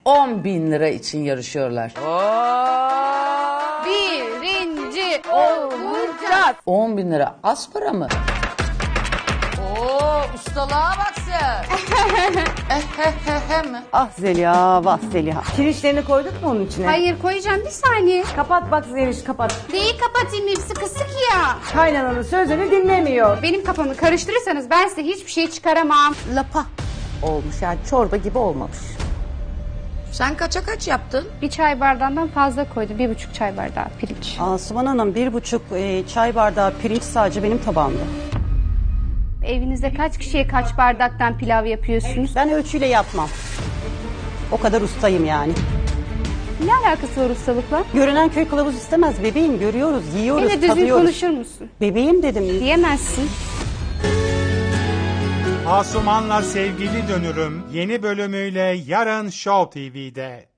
10.000 lira için yarışıyorlar. Birinci olacağız. 10.000 lira az para mı? Oo, ustalığa bak sen. mi? Ah Zeliha, vah Zeliha. Pirinçlerini koyduk mu onun içine? Hayır koyacağım bir saniye. Kapat bak Zeliş, kapat. Neyi kapatayım hepsi kısık ya. Kaynananın sözünü dinlemiyor. Benim kafamı karıştırırsanız ben size hiçbir şey çıkaramam. Lapa olmuş, yani çorba gibi olmamış. Sen kaça kaç yaptın? Bir çay bardağından fazla koydum. 1,5 çay bardağı pirinç. Asuman Hanım 1,5 çay bardağı pirinç sadece benim tabağımda. Evinizde kaç kişiye kaç bardaktan pilav yapıyorsunuz? Ben ölçüyle yapmam. O kadar ustayım yani. Ne alakası var ustalıkla? Görünen köy kılavuz istemez bebeğim, görüyoruz, yiyoruz, Benimle düzgün tadıyoruz. konuşur musun? Bebeğim dedim. Diyemezsin. Asuman'la Sevgili Dönürüm yeni bölümüyle yarın Show TV'de.